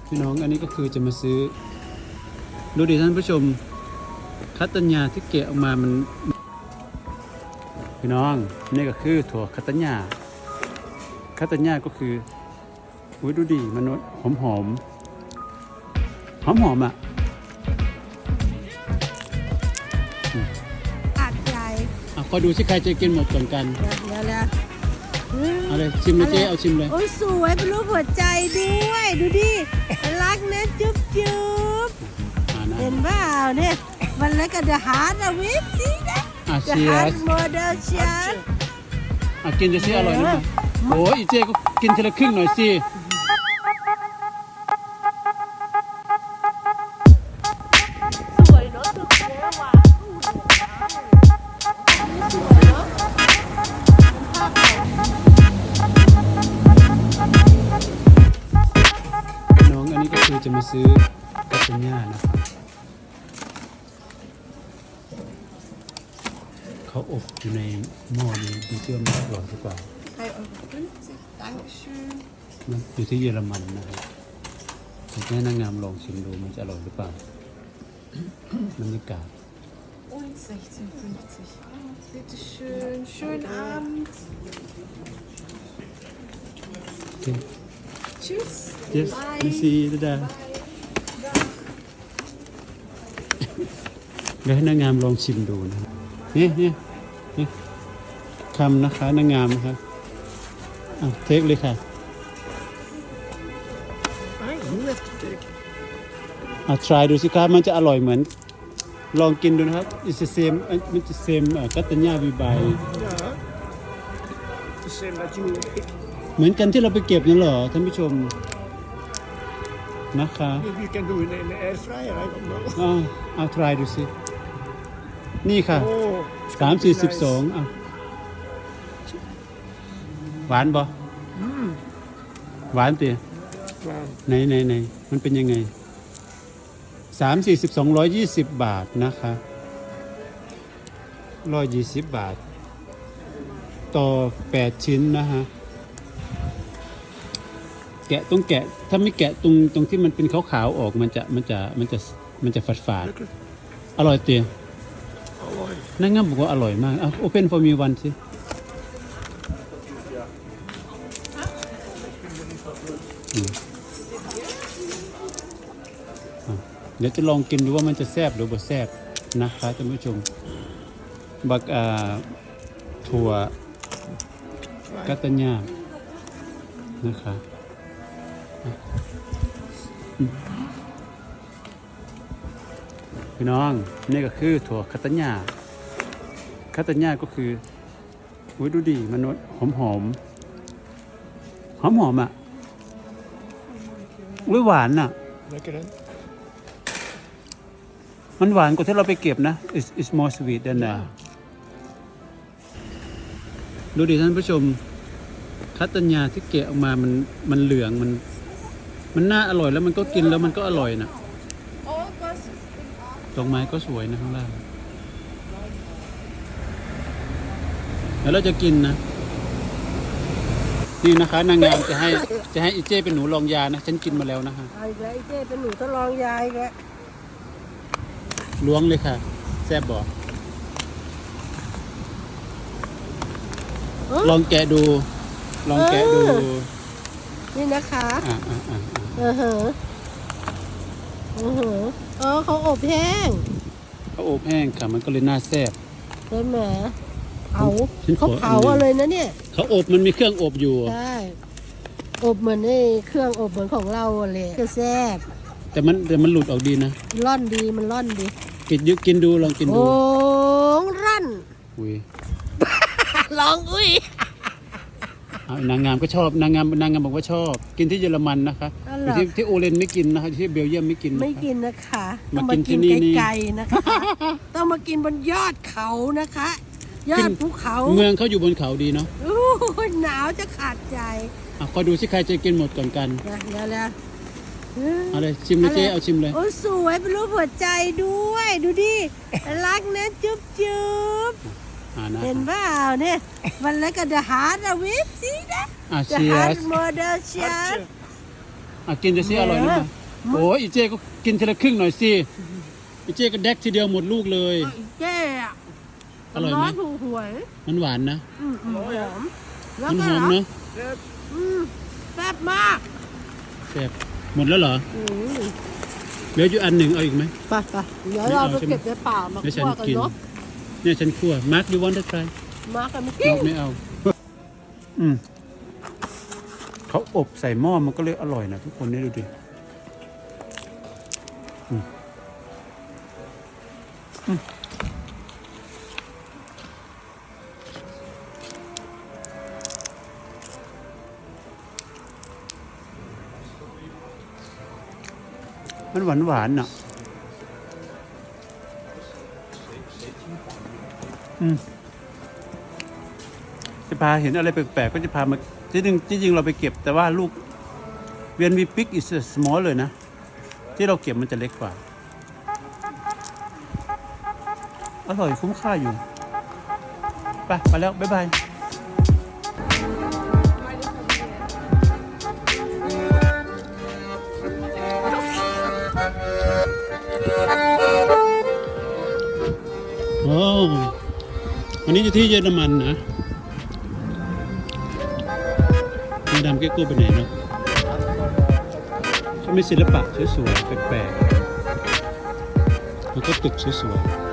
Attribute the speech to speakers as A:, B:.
A: พี่น้องอันนี้ก็คือจะมาซื้อดูดิท่านผู้ชมคัตตัญญาที่เกะออกมามันพี่น้องนี่ก็คือถั่วคัตตัญญาก็คืออุ้ยดูดิมันหอมอ่ะ
B: ขาดใจ
A: ก็ดูสิใครจะกินหมดก่อนกัน
B: เดี๋ยว
A: เอาเลยชิมเลยเจ๊เอาชิมเลย
B: โอ้ยสวยเป็นรูปหัวใจด้วยดูดิรักนะจุ๊บเห็นเปล่าเนี่ยมันแล้วก็เดอะฮาร์ดอะวิปสินะเดอะฮาร์ดโมเดลชัน
A: กินจะสิอร่อยนะโอ้ยเจ๊ก็กินทีละครึ่งหน่อยสิ
B: สวยเนาะสุดเจ๊ว่ะ
A: น้องอันนี้ก็คือจะมาซื้อกัตตัญญานะครับเขาอบอยู่ในหม้อนี้ดูเชื่อมอร่อยหรือเปล่ามันอยู่ที่เยอรมันนะครับผมให้นางงามลองชิมดูมันจะอร่อยหรือเปล่าบรรยากาศ
B: Bitte schön, schönen Abend.
A: Okay.
B: Tschüss.
A: Yes, you see the เดี๋ยวให้นางงามลองชิมดูนะนี่คำนะคะนางงามนะครับเทคเลยค่ะtry ดูสิครับมันจะอร่อยเหมือนลองกินดูนะครับ it's the same มันจะ same กัตตัญญาวีบายเหมือนกันที่เราไปเก็บนั่นเหรอท่านผู้ชมนะคะtry ดูสินี่ค่ะ3-4-12หวานบ่หวานเตี๋ยไหนมันเป็นยังไง3-4-12 120 บาทนะคะ120 บาทต่อ8ชิ้นนะฮะแกะต้องแกะถ้าไม่แกะตรงที่มันเป็นขาวๆออกมันจะฝาดอร่อยเตี๋ยนั่งงั้นบอกว่าอร่อยมากopen for me one สิเดี๋ยวจะลองกินดูว่ามันจะแซ่บหรือบ่แซ่บนะคะท่านผู้ชมบักถั่วกัตตัญญานะคะพี่น้องนี่ก็คือถั่วกัตตัญญาก็คืออุ้ยดูดิมันหอมอ่ะอุ้ยหวานอ่ะมันหวานกว่าที่เราไปเก็บนะ it's more sweet than that ดูดิท่านผู้ชมคัตตัญญาที่เกะออกมามันเหลืองมันน่าอร่อยแล้วมันก็กินแล้วมันก็อร่อยนะดอกไม้ก็สวยนะข้างล่างแล้วเราจะกินนะนี่นะคะนางงามจะให้อีเจ้เป็นหนูลองยานะฉันกินมาแล้วนะคะ
B: อีกแล้วอีเจ้เป็นหนูทดลองยาอีกแล้ว
A: ล้วงเลยค่ะแซ่บบ่ลองแกะดู
B: นี่นะคะเขาอบแห้ง
A: ค่ะมันก็เลยน่าแซ่บ
B: ใช่ไหมเขาเผาเลยนะเนี่ย
A: เขาอบมันมีเครื่องอบอยู่
B: ใช่อบเหมือนเครื่องอบเหมือนของเราเลยก็แซ่บ
A: แต่มันหลุดออกดีนะ
B: มันร่อนดี
A: กินกินดูลองกินดู
B: รั่น
A: อุ้ย
B: ลองอุ้ย
A: นางงามก็ชอบนางงามบอกว่าชอบกินที่เยอรมันนะคะที่โอเลนไม่กินนะคะที่เบลเยียมไม่กิน
B: นะคะต้องมากินไกลๆนะคะต้องมากินบนยอดเขานะคะยอดภูเขา
A: เมืองเขาอยู่บนเขาดีเนาะ
B: หนาวจะขาดใจ
A: คอยดูสิใครจะกินหมดก่อนกัน
B: เดี๋ยว
A: เอาเลยชิมเลยเจ๊เอาชิมเลย
B: โอ้สวยเป็นรูปหัวใจด้วยดูดิรักนะจุ๊บเห็นเปล่าเนี่ยมันแล้วก็เดอะฮาร์ดอะวิปสินะเดอะฮาร์ดโมเดลชัน
A: กินจะสิอร่อยนะโอ้ยอีเจก็กินทีละครึ่งหน่อยสิอีเจก็แดกทีเดียวหมดลูกเลย
B: เจ๊อะ
A: อร่อยไหม
B: ถูกหวย
A: มันหวานนะ
B: หอมแล้ว
A: มัน
B: ก็
A: หอมเนาะ
B: แซ่บมาก
A: แซ่บหมดแล้วเหรอ
B: อืม
A: เหลืออยู่อันหนึ่งเอาอีกไหม
B: ไปเดี๋ยวเราไปเก็บในป่ามา
A: ให้ฉั
B: คั่
A: น
B: วกัน
A: กิน
B: เนาะ
A: เนี่ยฉันคั่วมาร์คยูวอนได้ใคร
B: มากันไม่
A: น
B: กิน
A: กไม่เอา เขาอบใส่หม้อมันก็เลยอร่อยนะทุกคนนี่ดูดิมันหวานหวานอ่ะจะพาเห็นอะไรแปลกๆก็จะพามาจริงเราไปเก็บแต่ว่าลูกเวียนวีปิกอิสสมอลเลยนะ ที่เราเก็บมันจะเล็กกว่า อร่อยคุ้มค่าอยู่ ไปแล้ว บ๊ายบาย โอ้วันนี้อยู่ที่เยอรมันนะมาดามเกโก้ไปไหนเนาะเขามีศิลปะสวยๆแปลกๆแล้วก็ตึกสวยๆ